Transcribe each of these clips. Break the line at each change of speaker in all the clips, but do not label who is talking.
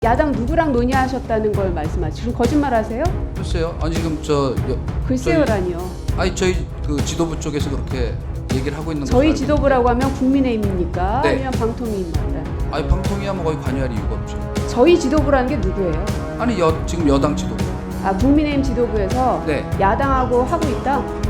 야당 누구랑 논의하셨다는 걸 말씀하시죠? 지금 거짓말하세요?
글쎄요. 아니 지금
글쎄요라니요.
아니 저희 그 지도부 쪽에서 그렇게 얘기를 하고 있는
저희
것으로
지도부라고 하면 국민의힘입니까?
네.
아니면 방통위입니까?
아니 방통위야 뭐 거의 관여할 이유가 없죠.
저희 지도부라는 게 누구예요?
아니 지금 여당 지도부.
아, 국민의힘 지도부에서
네.
야당하고 하고 있다?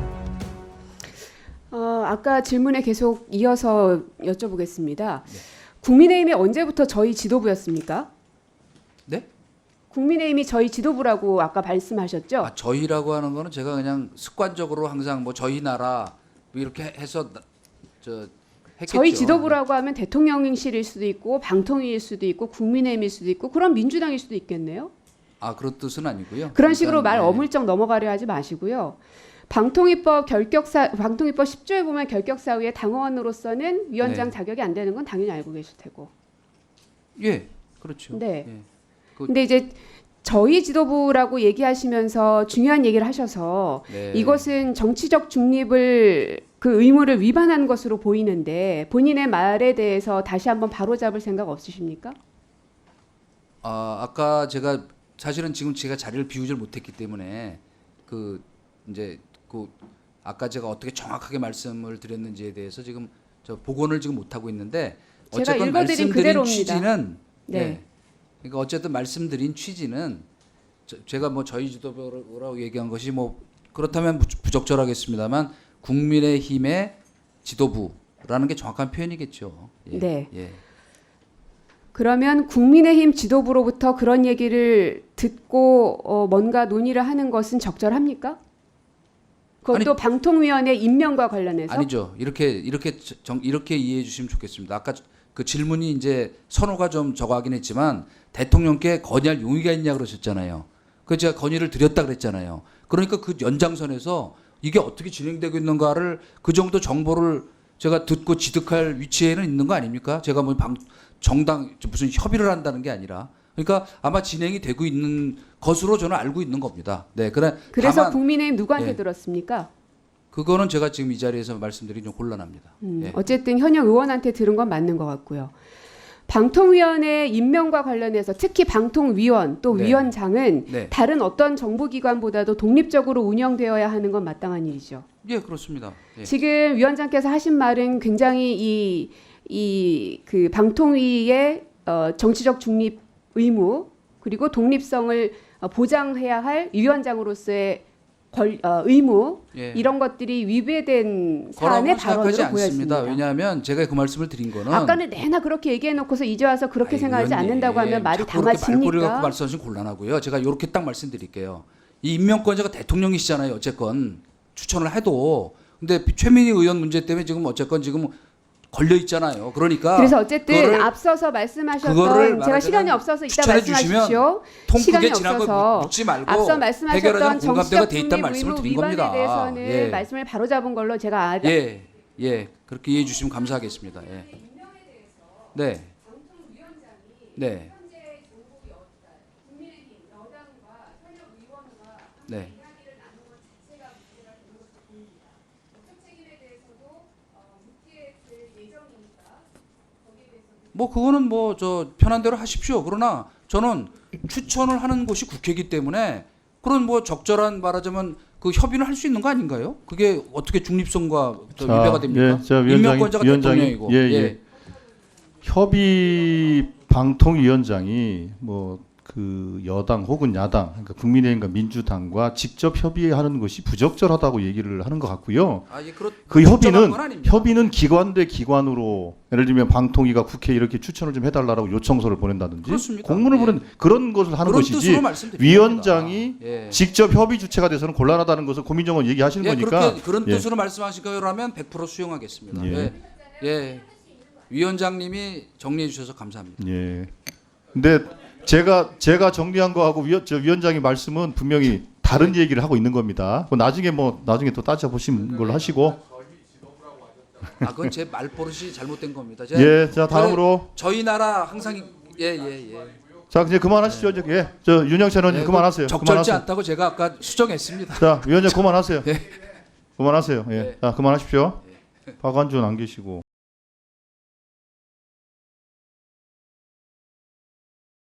아까 질문에 계속 이어서 여쭤보겠습니다.
네.
국민의힘이 언제부터 저희 지도부였습니까?
네?
국민의힘이 저희 지도부라고 아까 말씀하셨죠?
아, 저희라고 하는 거는 제가 그냥 습관적으로 항상 뭐 저희 나라 뭐 이렇게 해서 했겠죠.
저희 지도부라고 하면 대통령실일 수도 있고 방통위일 수도 있고 국민의힘일 수도 있고 그럼 민주당일 수도 있겠네요.
아 그런 뜻은 아니고요.
그런 식으로
일단,
말
네.
어물쩍 넘어가려 하지 마시고요. 방통위법 10조에 보면 결격사유에 당원으로서는 위원장
네.
자격이 안 되는 건 당연히 알고 계실 테고.
예, 그렇죠.
네.
예.
근데 이제 저희 지도부라고 얘기하시면서 중요한 얘기를 하셔서
네.
이것은 정치적 중립을 그 의무를 위반한 것으로 보이는데 본인의 말에 대해서 다시 한번 바로잡을 생각 없으십니까?
아까 제가 사실은 지금 제가 자리를 비우질 못했기 때문에 그 이제 그 아까 제가 어떻게 정확하게 말씀을 드렸는지에 대해서 지금 저 복원을 지금 못 하고 있는데
제가
어쨌건
읽어드린
말씀드린
그대로입니다.
취지는
네.
그러니까 어쨌든 말씀드린 취지는 제가 뭐 저희 지도부라고 얘기한 것이 뭐 그렇다면 부적절하겠습니다만 국민의힘의 지도부라는 게 정확한 표현이겠죠. 예.
네.
예.
그러면 국민의힘 지도부로부터 그런 얘기를 듣고 뭔가 논의를 하는 것은 적절합니까? 그것도 방통위원회 임명과 관련해서?
아니죠. 이렇게 이해해 주시면 좋겠습니다. 아까 그 질문이 이제 선호가 좀 저거하긴 했지만 대통령께 건의할 용의가 있냐 그러셨잖아요. 그 제가 건의를 드렸다 그랬잖아요. 그러니까 그 연장선에서 이게 어떻게 진행되고 있는가를 그 정도 정보를 제가 듣고 지득할 위치에는 있는 거 아닙니까? 제가 뭐 정당 무슨 협의를 한다는 게 아니라 그러니까 아마 진행이 되고 있는 것으로 저는 알고 있는 겁니다. 네,
그래서
다만
국민의힘 누구한테
예.
들었습니까?
그거는 제가 지금 이 자리에서 말씀드리기 좀 곤란합니다. 예.
어쨌든 현역 의원한테 들은 건 맞는 것 같고요. 방통위원회 임명과 관련해서 특히 방통위원 또
네.
위원장은
네.
다른 어떤 정부기관보다도 독립적으로 운영되어야 하는 건 마땅한 일이죠.
예, 그렇습니다. 예.
지금 위원장께서 하신 말은 굉장히 그 방통위의 정치적 중립 의무 그리고 독립성을 보장해야 할 위원장으로서의 의무
예.
이런 것들이 위배된
거라고
사안의
생각하지
발언으로
않습니다.
보였습니다.
왜냐하면 제가 그 말씀을 드린 거는
아까는 내나 그렇게 얘기해놓고서 이제 와서 그렇게
아이,
생각하지
의원님,
않는다고 하면 말이
자꾸 그렇게 말꼬리 갖고
담아집니까?
말씀하시면 곤란하고요. 제가 이렇게 딱 말씀드릴게요. 이 임명권자가 대통령이시잖아요. 어쨌건 추천을 해도 근데 최민희 의원 문제 때문에 지금 어쨌건 지금 걸려 있잖아요. 그러니까
그래서 어쨌든
그거를
앞서서
그거를
말씀하셨던 제가 시간이
말하자면
없어서 이따
추천해 주시면
말씀하십시오.
통크게
시간이
지난
없어서
걸 묻지 말고
앞서
해결하자는
말씀하셨던
공감대가
정치적
돼 있다는
중립
말씀을
의무
드린
위반에
겁니다.
대해서는
예.
말씀을 바로잡은 걸로 제가
예, 예, 그렇게 이해해 주시면 감사하겠습니다. 예. 네, 네, 네. 뭐 그거는 뭐 저 편한 대로 하십시오. 그러나 저는 추천을 하는 곳이 국회이기 때문에 그런 뭐 적절한 말하자면 그 협의는 할 수 있는 거 아닌가요? 그게 어떻게 중립성과 위배가 됩니까?
예, 자,
임명권자가 대통령이고.
예, 예. 협의 방통위원장이 뭐 그 여당 혹은 야당, 그러니까 국민의힘과 민주당과 직접 협의하는 것이 부적절하다고 얘기를 하는 것 같고요.
아, 예,
그
적절한 건 아닙니다.
협의는 기관 대 기관으로 예를 들면 방통위가 국회에 이렇게 추천을 좀 해달라고 요청서를 보낸다든지
그렇습니다.
공문을
예.
보낸 그런 것을 하는
그런
것이지
뜻으로 말씀드립니다.
위원장이
예.
직접 협의 주체가 돼서는 곤란하다는 것을 고민정원 얘기하시는
예,
거니까
그렇게 그런
예.
뜻으로 말씀하신 거라면 100% 수용하겠습니다.
예.
예. 예. 위원장님이 정리해 주셔서 감사합니다.
예. 근데 제가 정리한 거하고 위원장의 말씀은 분명히 다른 얘기를 하고 있는 겁니다. 나중에 또 따져 보시는 걸로 하시고.
아, 그건 제 말버릇이 잘못된 겁니다.
예, 자 다음으로
저희 나라 항상 예.
자 이제 그만하시죠. 이제 예, 저 윤영찬 의원님 그만하세요.
적절치
그만하세요.
않다고 제가 아까 수정했습니다.
자 위원장 그만하세요.
예.
그만하세요. 예,
예.
자 그만하십시오. 박완준 안 계시고.